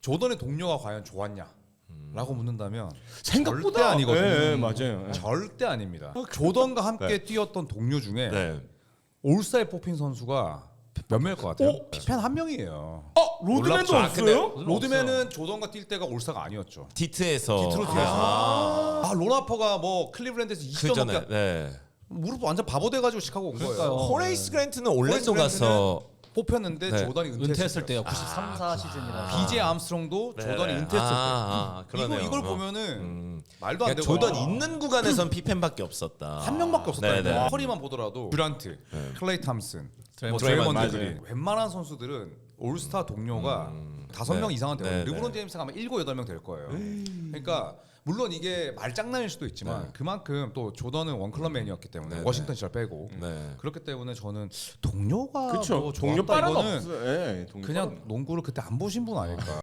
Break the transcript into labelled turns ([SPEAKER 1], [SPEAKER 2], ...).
[SPEAKER 1] 조던의 동료가 과연 좋았냐? 라고 묻는다면
[SPEAKER 2] 생각보다
[SPEAKER 1] 절대 아니거든요.
[SPEAKER 2] 예, 맞아요.
[SPEAKER 1] 절대 아닙니다. 조던과 함께 뛰었던 동료 중에
[SPEAKER 3] 네.
[SPEAKER 1] 올스타에 뽑힌 선수가 몇 명일 것 같아요? 피펜 한 명이에요.
[SPEAKER 2] 로드맨도
[SPEAKER 3] 놀랍죠.
[SPEAKER 2] 없어요?
[SPEAKER 1] 로드맨은 조던과 뛸 때가 올스타가 아니었죠.
[SPEAKER 3] 디트에서
[SPEAKER 1] 디트로 뛰어서 로나퍼가 뭐 클리블랜드에서 20점
[SPEAKER 3] 전에
[SPEAKER 1] 넘게
[SPEAKER 3] 네.
[SPEAKER 1] 무릎 완전 바보 돼가지고 시카고 온 거예요.
[SPEAKER 3] 호레이스 그랜트는 올랜도
[SPEAKER 1] 호레이스
[SPEAKER 3] 가서
[SPEAKER 1] 뽑혔는데
[SPEAKER 3] 네.
[SPEAKER 1] 조던이
[SPEAKER 4] 은퇴했을 때요.
[SPEAKER 1] 때
[SPEAKER 4] 93, 4 시즌이라.
[SPEAKER 1] BJ 암스트롱도 조던이 은퇴했을 때
[SPEAKER 3] 그러네요.
[SPEAKER 1] 이걸 보면은 말도
[SPEAKER 3] 그러니까
[SPEAKER 1] 안 되고
[SPEAKER 3] 조던 있는 구간에선 피펜밖에 없었다.
[SPEAKER 1] 한 명밖에 없었다니까.
[SPEAKER 3] 네네.
[SPEAKER 1] 커리만 보더라도 듀란트, 클레이 탐슨,
[SPEAKER 4] 드레이먼드
[SPEAKER 1] 드레이먼드
[SPEAKER 2] 그린.
[SPEAKER 1] 그린 웬만한 선수들은 올스타 동료가 5명
[SPEAKER 3] 네.
[SPEAKER 1] 이상은 되고
[SPEAKER 3] 네,
[SPEAKER 1] 르브론
[SPEAKER 3] 네.
[SPEAKER 1] 제임스가 아마 7, 8명 될 거예요. 그러니까 물론 이게 말장난일 수도 있지만 그만큼 또 조던은 원클럽맨이었기 때문에
[SPEAKER 3] 네,
[SPEAKER 1] 워싱턴 시절 빼고
[SPEAKER 3] 네.
[SPEAKER 1] 그렇기 때문에 저는 동료가
[SPEAKER 2] 그렇죠.
[SPEAKER 1] 뭐
[SPEAKER 2] 동료
[SPEAKER 1] 좋았다
[SPEAKER 2] 빠른
[SPEAKER 1] 이거는
[SPEAKER 2] 없어요. 예, 동료
[SPEAKER 1] 그냥
[SPEAKER 2] 빠른
[SPEAKER 1] 농구를 그때 안 보신 분 아닐까.